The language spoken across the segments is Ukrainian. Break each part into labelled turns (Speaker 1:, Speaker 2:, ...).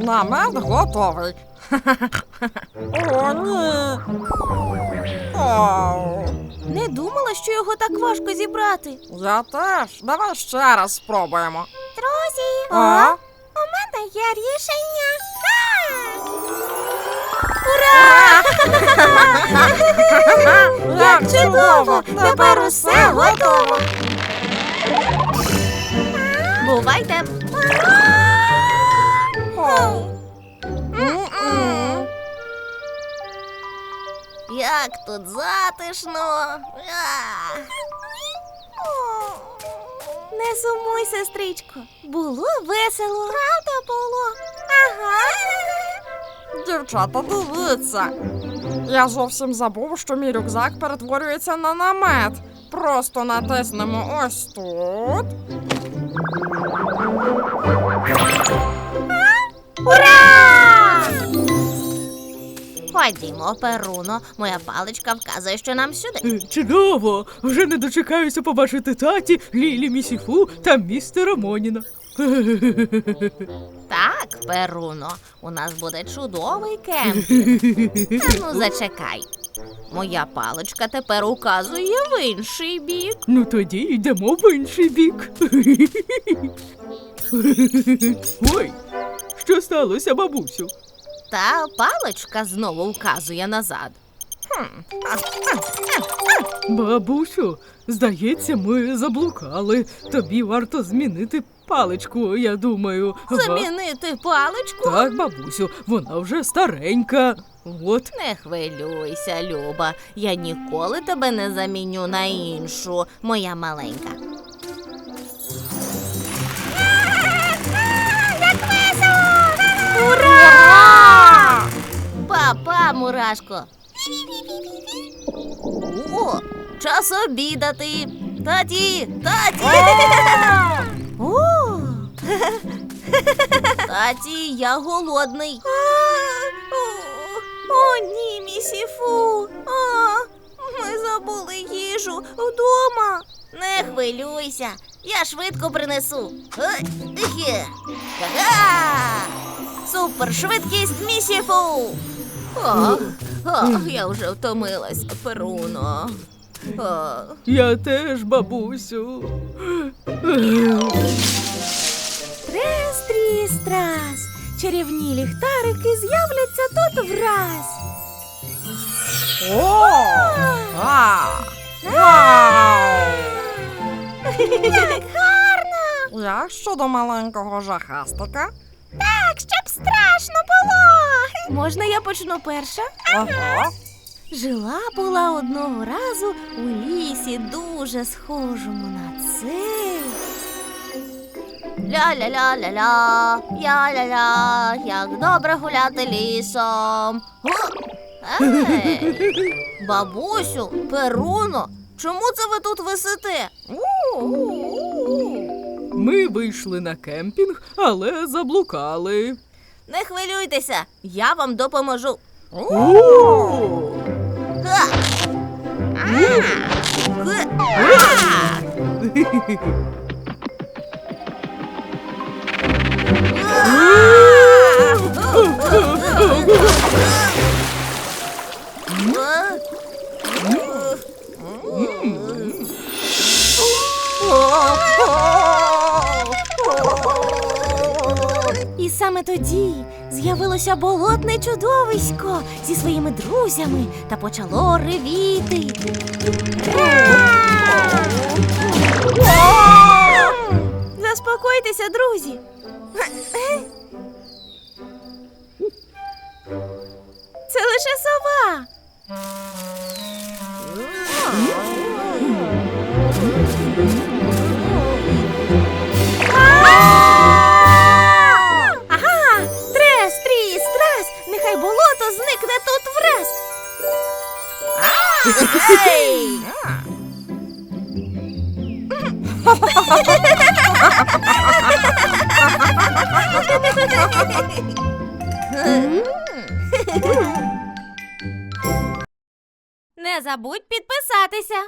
Speaker 1: Намет готовий. О, ні. Оу.
Speaker 2: Не думала, що його так важко зібрати.
Speaker 1: Я теж. Давай ще раз спробуємо.
Speaker 2: Друзі,
Speaker 1: А?
Speaker 2: у мене є рішення. Ура!
Speaker 1: Як чудово! Тепер усе готово.
Speaker 2: Бувайте!
Speaker 1: М-м.
Speaker 2: Як тут затишно! Не сумуй, сестричко. Було весело. Правда було? Ага.
Speaker 1: Дівчата, дивіться. Я зовсім забув, що мій рюкзак перетворюється на намет. Просто натиснемо ось тут.
Speaker 2: Ура! Ходімо, Перуно. Моя паличка вказує, що нам сюди.
Speaker 3: Чудово! Вже не дочекаюся побачити таті, Лілі Місіфу та містера Моніна.
Speaker 2: Так, Перуно, у нас буде чудовий кемпінг. Та ну зачекай. Моя паличка тепер указує в інший бік.
Speaker 3: Ну тоді йдемо в інший бік. Ой, що сталося, бабусю?
Speaker 2: Та паличка знову вказує назад.
Speaker 3: Бабусю, здається, ми заблукали. Тобі варто змінити паличку, я думаю. Ага.
Speaker 2: Замінити паличку?
Speaker 3: Так, бабусю, вона вже старенька. От.
Speaker 2: Не хвилюйся, Люба. Я ніколи тебе не заміню на іншу, моя маленька. Як весело! Ура! Па-па, мурашко. О, час обідати. Таті! О! Таті, я голодний. О, ні, місіфу. Ми забули їжу вдома. Не хвилюйся, я швидко принесу. Супершвидкість місіфу. Я вже втомилась, Перуно.
Speaker 3: Я теж, бабусю.
Speaker 2: Трес-тріс-трас, чарівні ліхтарики з'являться тут враз.
Speaker 1: О! Вау!
Speaker 2: Як гарно!
Speaker 1: Як щодо маленького жахастика?
Speaker 2: Так, щоб страшно було. Можна я почну перша?
Speaker 1: Ага.
Speaker 2: Жила-була одного разу у лісі, дуже схожому на цей. Ля-ля-ля-ля-ля, я-ля-ля, як добре гуляти лісом. Ей, бабусю, Перуно, чому це ви тут висите?
Speaker 3: Ми вийшли на кемпінг, але заблукали.
Speaker 2: Не хвилюйтеся, я вам допоможу.
Speaker 3: О!
Speaker 2: Ха! І саме тоді з'явилося болотне чудовисько зі своїми друзями та почало ревіти. Заспокойтеся, друзі. Це лише сова. Ага! Трес, тріс, трас! Нехай болото зникне тут враз! Ей! Не забудь підписатися.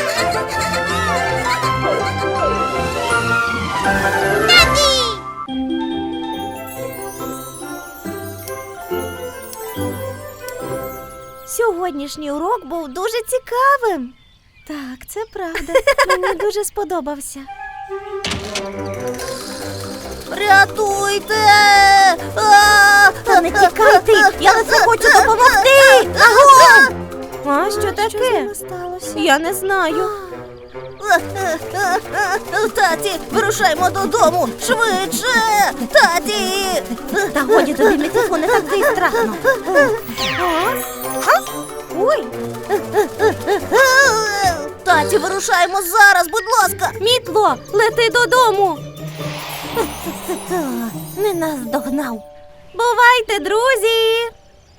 Speaker 2: Таті! сьогоднішній урок був дуже цікавим. Так, це правда. Мені дуже сподобався. Рятуйте! Та не тікай ти! Я лише хочу допомогти! Аго! А що таке? Я не знаю. Таті, вирушаймо додому! Швидше! Таті! Та годі тобі, Місіфу, не такий страшно. Ой! Таті, вирушаємо зараз, будь ласка! Мітло, лети додому! Не наздогнав. Бувайте, друзі!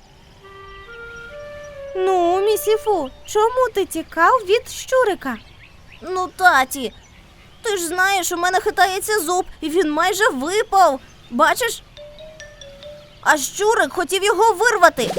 Speaker 2: Ну, Місіфу, чому ти тікав від щурика? Ну, таті, ти ж знаєш, у мене хитається зуб, і він майже випав. Бачиш? А щурик хотів його вирвати.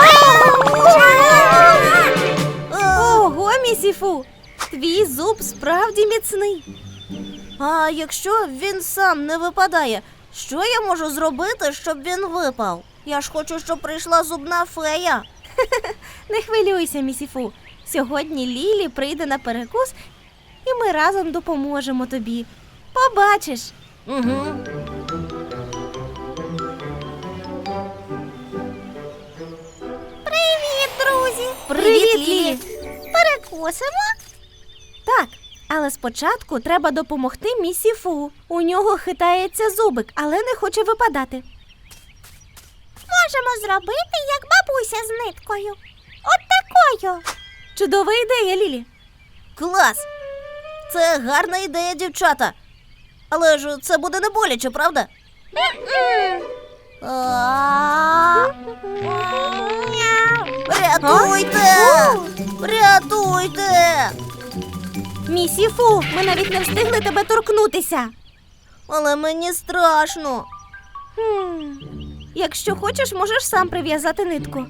Speaker 2: Ого, Місіфу, твій зуб справді міцний. А якщо він сам не випадає, що я можу зробити, щоб він випав? Я ж хочу, щоб прийшла зубна фея. Не хвилюйся, Місіфу. Сьогодні Лілі прийде на перекус, і ми разом допоможемо тобі. Побачиш. Угу. Привіт, друзі! Привіт, Лілі! Перекусимо? Так, але спочатку треба допомогти Місіфу. У нього хитається зубик, але не хоче випадати. Можемо зробити, як бабуся з ниткою. От такою. Чудова ідея, Лілі. Клас! Це гарна ідея, дівчата. Але ж це буде не боляче, правда? Рятуйте! Рятуйте! Місіфу, ми навіть не встигли тебе торкнутися. Але мені страшно. Якщо хочеш, можеш сам прив'язати нитку.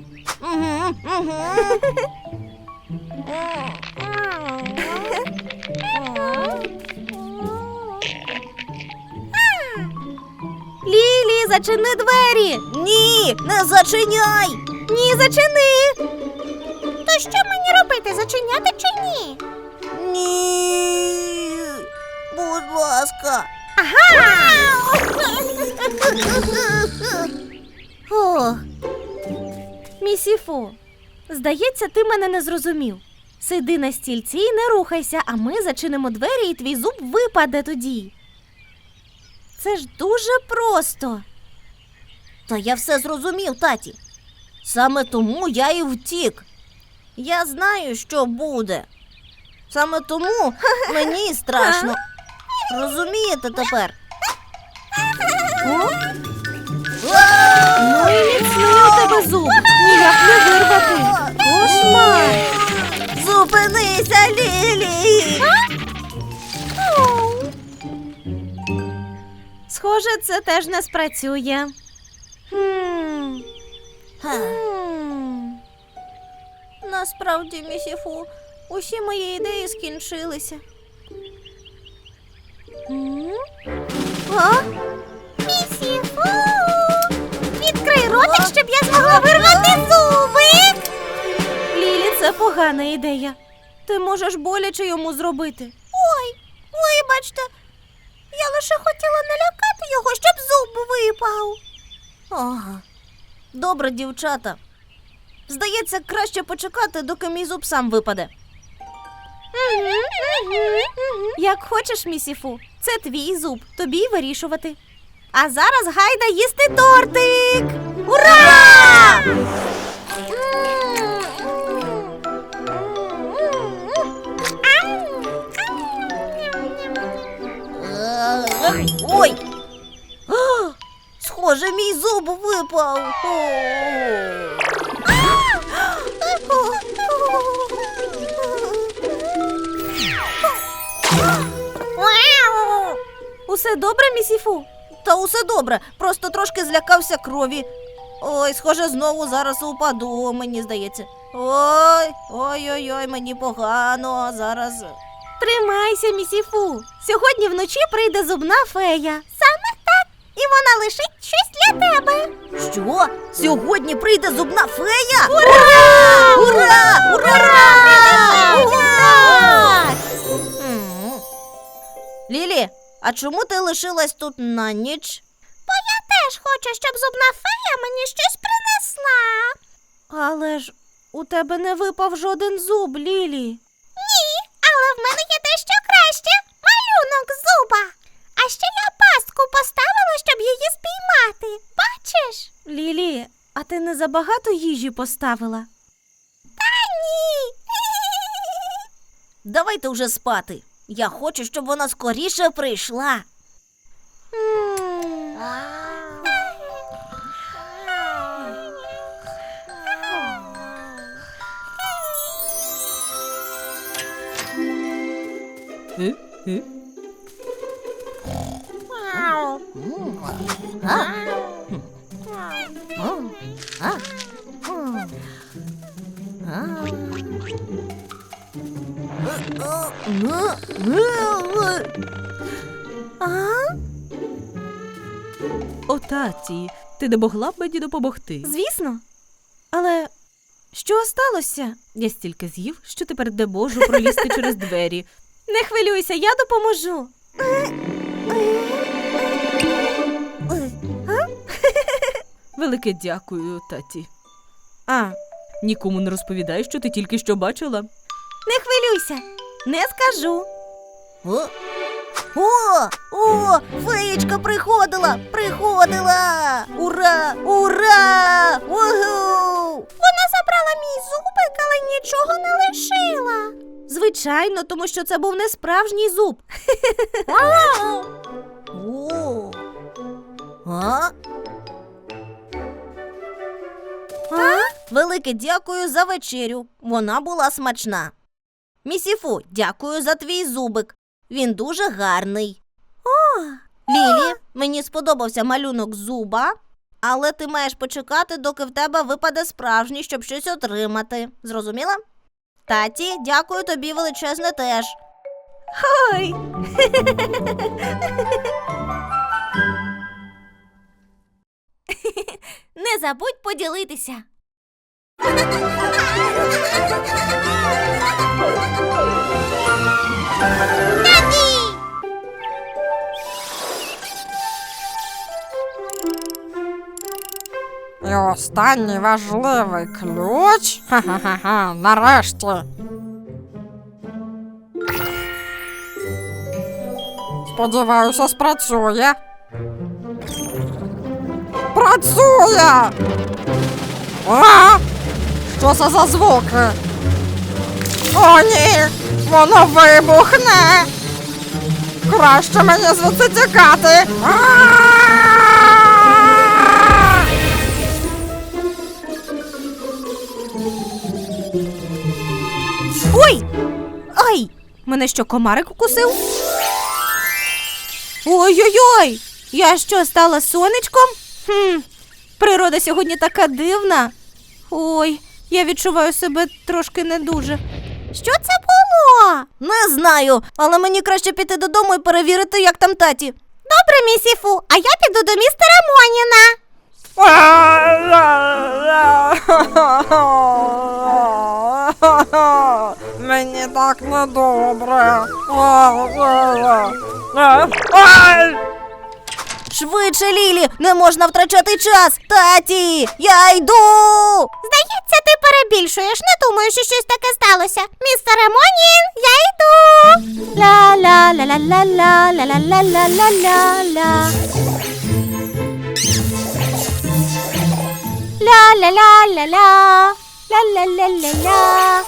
Speaker 2: Лілі, зачини двері! Ні, не зачиняй! Ні, зачини! То що мені робити, зачиняти чи ні? Ні, будь ласка. Ага! Ох. Місіфу, здається, ти мене не зрозумів. Сиди на стільці і не рухайся, а ми зачинимо двері і твій зуб випаде тоді. Це ж дуже просто. Та я все зрозумів, таті. Саме тому я і втік. Я знаю, що буде. Саме тому мені страшно. Розумієте тепер? Ну і міцний у тебе зуб. Ніяк не вирвати. Кошмар. Зупинися, Лілі! Схоже, це теж не спрацює. Насправді, Місіфу, усі мої ідеї скінчилися. Місіфу! Відкрий ротик, щоб я змогла вирвати зубик! Лілі, це погана ідея. Ти можеш боляче йому зробити. Ой, вибачте. Я лише хотіла налякати його, щоб зуб випав. Ага. Добре, дівчата. Здається, краще почекати, доки мій зуб сам випаде. Як хочеш, Місіфу. Це твій зуб, тобі й вирішувати. А зараз гайда їсти тортик! Ура! Ой! Схоже, мій зуб випав. Усе добре, Місіфу? Та усе добре, просто трошки злякався крові. Ой, схоже, знову зараз упаду, мені здається. Ой-ой-ой, мені погано зараз. Тримайся, Місіфу. Сьогодні вночі прийде зубна фея. Саме так. І вона лишить щось для тебе.
Speaker 4: Що? Сьогодні прийде зубна фея?
Speaker 2: Ура!
Speaker 4: Ура! Ура!
Speaker 2: Ура!
Speaker 4: Лілі, а чому ти лишилась тут на ніч?
Speaker 2: Бо я теж хочу, щоб зубна фея мені щось принесла.
Speaker 4: Але ж у тебе не випав жоден зуб, Лілі.
Speaker 2: Ні, але в мене є дещо краще. Малюнок зуба. А ще я пастку поставила, щоб її спіймати. Бачиш?
Speaker 4: Лілі, а ти не забагато їжі поставила?
Speaker 2: Та ні.
Speaker 4: Давайте вже спати. Я хочу, щоб вона скоріше прийшла.
Speaker 3: О, таті, ти не могла б мені допомогти?
Speaker 4: Звісно. Але що сталося?
Speaker 3: Я стільки з'їв, що тепер не можу пролізти через двері.
Speaker 4: Не хвилюйся, я допоможу.
Speaker 3: Велике дякую, таті.
Speaker 4: А,
Speaker 3: Нікому не розповідай, що ти тільки що бачила.
Speaker 4: не хвилюйся, не скажу. О, феєчка приходила! Ура! Ура! Угу!
Speaker 2: Вона забрала мій зубик, але нічого не лишила.
Speaker 4: Звичайно, тому що це був не справжній зуб. О. А? Велике дякую за вечерю. Вона була смачна. Місіфу, дякую за твій зубик. Він дуже гарний. Лілі, мені сподобався малюнок зуба, але ти маєш почекати, доки в тебе випаде справжній, щоб щось отримати. Зрозуміла? Таті, дякую тобі величезне теж. Ой!
Speaker 2: Не забудь поділитися.
Speaker 1: І останній важливий ключ. Ха-ха-ха, нарешті. Сподіваюся, спрацює. Працює! А! Що це за звуки? О, ні! Воно вибухне! Краще мені звідси тікати!
Speaker 4: Ой! Ай! Мене що, комарик укусив? Ой-ой-ой! Я що, стала сонечком? Природа сьогодні така дивна. Ой, я відчуваю себе трошки не дуже.
Speaker 2: Що це було?
Speaker 4: Не знаю, але мені краще піти додому і перевірити, як там таті.
Speaker 2: Добре, місіфу, а я піду до містера Моніна.
Speaker 1: Мені так недобре.
Speaker 4: Швидше, Лілі, не можна втрачати час. Таті, я йду.
Speaker 2: Здається, ти перебільшуєш. Не думаю, що щось таке сталося. Містере Монін, я йду.
Speaker 4: Ла-ла-ла-ла-ла-ла-ла-ла-ла-ла-ла. Ла-ла-ла-ла-ла. Ла-ла-ла-ла-ла.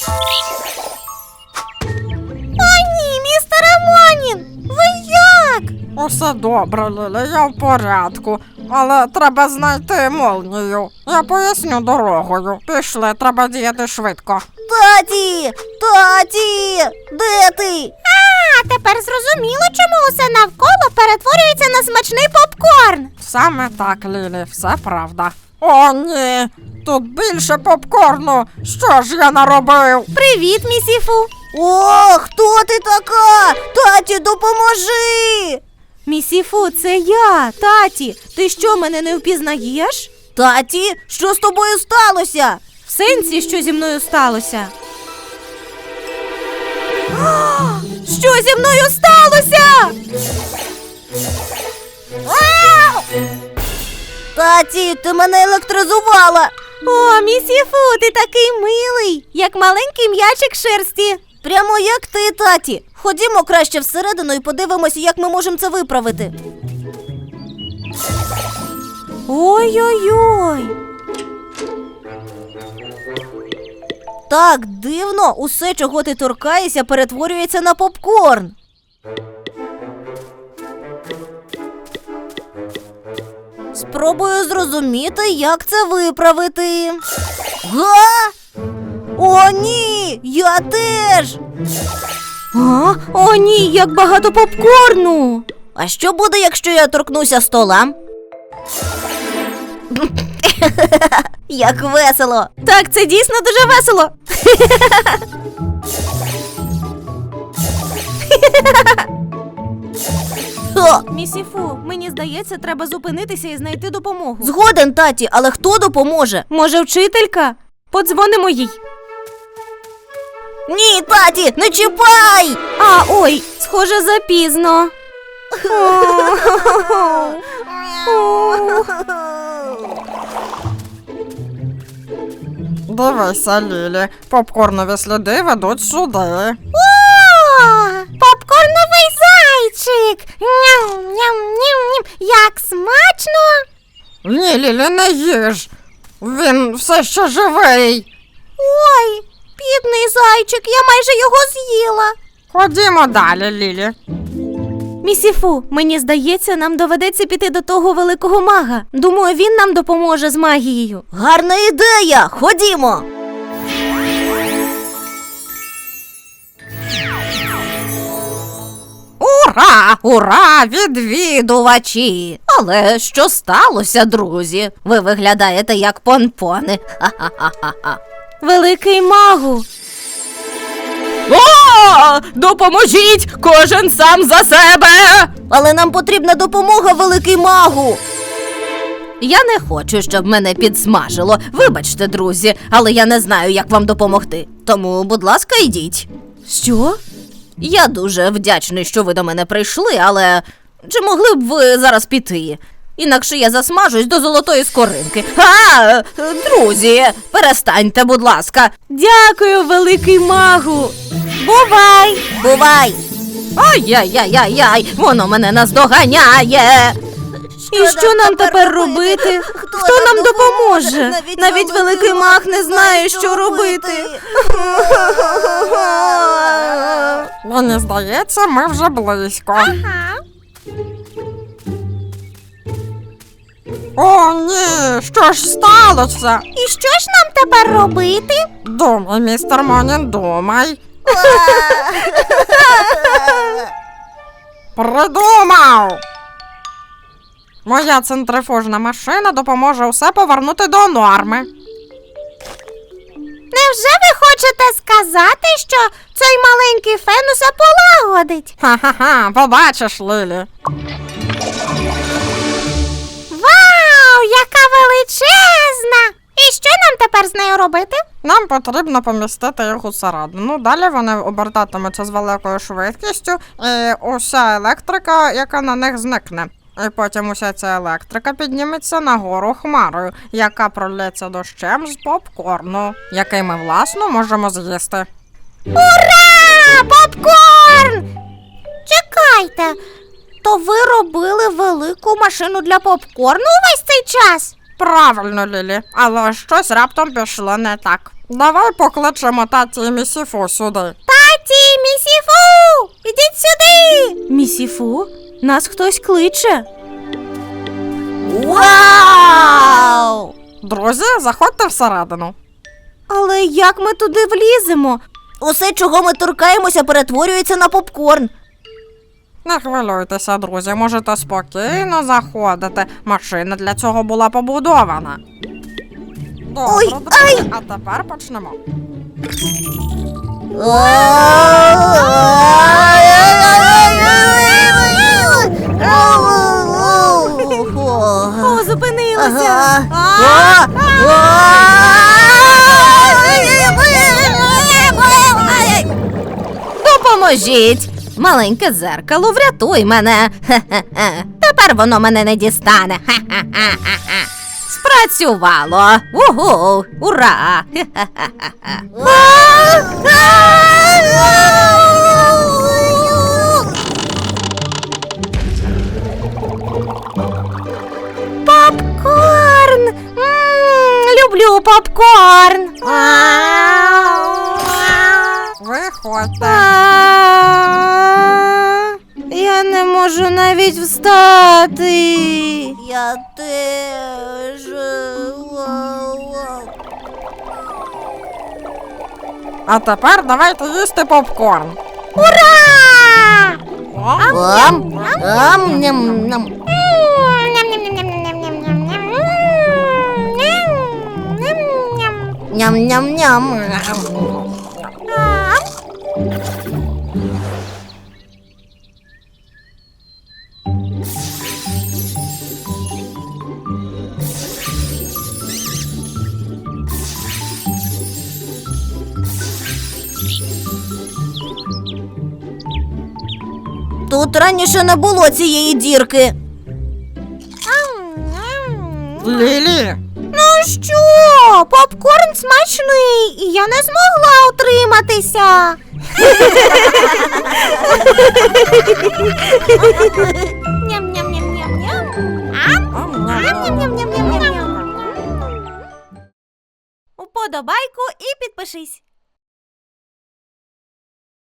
Speaker 2: О, ні, містере Монін, ви як?
Speaker 1: Усе добре, Лілі, я в порядку. Але треба знайти молнію. Я поясню дорогою. Пішли, треба діяти швидко.
Speaker 4: Таті! Таті! Де ти?
Speaker 2: А, тепер зрозуміло, чому усе навколо перетворюється на смачний попкорн.
Speaker 1: Саме так, Лілі, все правда. О, ні! Тут більше попкорну! Що ж я наробив?
Speaker 4: Привіт, місіфу. О, хто ти така? Таті, допоможи!
Speaker 2: Місіфу, це я, таті. Ти що, мене не впізнаєш?
Speaker 4: Таті, що з тобою сталося?
Speaker 2: В сенсі, що зі мною сталося? Що зі мною сталося?
Speaker 4: Таті, ти мене електризувала.
Speaker 2: О, Місіфу, ти такий милий, як маленький м'ячик шерсті.
Speaker 4: Прямо як ти, таті. Ходімо краще всередину і подивимося, як ми можемо це виправити.
Speaker 2: Ой-ой-ой.
Speaker 4: Так дивно, усе, чого ти торкаєшся, перетворюється на попкорн. Спробую зрозуміти, як це виправити. Га? О, ні! Я теж!
Speaker 2: А? О, ні, як багато попкорну.
Speaker 4: А що буде, якщо я торкнуся стола? Як весело!
Speaker 2: Так, це дійсно дуже весело.
Speaker 4: О,
Speaker 2: Місіфу, мені здається, треба зупинитися і знайти допомогу.
Speaker 4: згоден, таті, але хто допоможе?
Speaker 2: Може, вчителька? Подзвонимо їй.
Speaker 4: Ні, таті, не чіпай!
Speaker 2: А, ой, схоже, запізно.
Speaker 1: Дивися, Лілі, попкорнові сліди ведуть сюди.
Speaker 2: Попкорновий зайчик! Ням-ням-ням-ням! Як смачно!
Speaker 1: Ні, Лілі, не їж. Він все ще живий.
Speaker 2: Ой, бідний зайчик, я майже його з'їла.
Speaker 1: Ходімо далі, Лілі.
Speaker 2: Місіфу, мені здається, нам доведеться піти до того великого мага. Думаю, він нам допоможе з магією.
Speaker 4: Гарна ідея! Ходімо! Ура! Ура! Відвідувачі! Але що сталося, друзі? Ви виглядаєте як понпони. Ха-ха-ха-ха.
Speaker 2: Великий магу.
Speaker 3: О! Допоможіть! Кожен сам за себе!
Speaker 4: Але нам потрібна допомога, великий магу. Я не хочу, щоб мене підсмажило. Вибачте, друзі, але я не знаю, як вам допомогти. Тому, будь ласка, йдіть.
Speaker 2: Що?
Speaker 4: Я дуже вдячний, що ви до мене прийшли, але чи могли б ви зараз піти? Інакше я засмажусь до золотої скоринки. Друзі, перестаньте, будь ласка.
Speaker 2: Дякую, великий магу. Бувай!
Speaker 4: Бувай! Ай-яй-яй-яй-яй, воно мене наздоганяє.
Speaker 2: І що нам тепер робити? Хто нам допоможе? Навіть великий маг не знає, що робити.
Speaker 1: Мені здається, ми вже близько. О, ні, що ж сталося?
Speaker 2: І що ж нам тепер робити?
Speaker 1: Думай, містер Монін, думай. Придумав! Моя центрифужна машина допоможе усе повернути до норми.
Speaker 2: Невже ви хочете сказати, що цей маленький фен усе полагодить?
Speaker 1: Ха-ха-ха, побачиш, Лілі.
Speaker 2: Вау, яка величезна! І що нам тепер з нею робити?
Speaker 1: Нам потрібно помістити їх усередину. Далі вони обертатимуться з великою швидкістю, і уся електрика, яка на них зникне. І потім уся ця електрика підніметься нагору хмарою, яка пролється дощем з попкорну, який ми, власно, можемо з'їсти.
Speaker 2: Ура! Попкорн! Чекайте, то ви робили велику машину для попкорну увесь цей час?
Speaker 1: Правильно, Лілі, але щось раптом пішло не так. Давай покличемо таті і місіфу сюди.
Speaker 2: Таті, Місіфу! Ідіть сюди! Місіфу? Нас хтось кличе.
Speaker 4: Вау!
Speaker 1: Друзі, заходьте всередину.
Speaker 2: Але як ми туди вліземо?
Speaker 4: Усе, чого ми торкаємося, перетворюється на попкорн.
Speaker 1: Не хвилюйтеся, друзі, можете спокійно заходити. Машина для цього була побудована. Добре,
Speaker 4: Ой,
Speaker 1: друзі, а тепер почнемо.
Speaker 4: Допоможіть! Маленьке дзеркало, врятуй мене. Хе-хе-хе. Тепер воно мене не дістане. Хе-хе-хе-хе. Спрацювало. Угу! Ура! Попкорн! Люблю попкорн.
Speaker 1: Виходьте.
Speaker 4: Я не можу навіть встати. Я теж.
Speaker 1: А тепер давайте їсти попкорн.
Speaker 4: Ура! Ням-ням-ням. Ням-ням-ням. Тут раніше не було цієї дірки.
Speaker 1: Лілі,
Speaker 4: Ну що, попкорн смачний, і я не змогла утриматися.
Speaker 2: Уподобайку і підпишись.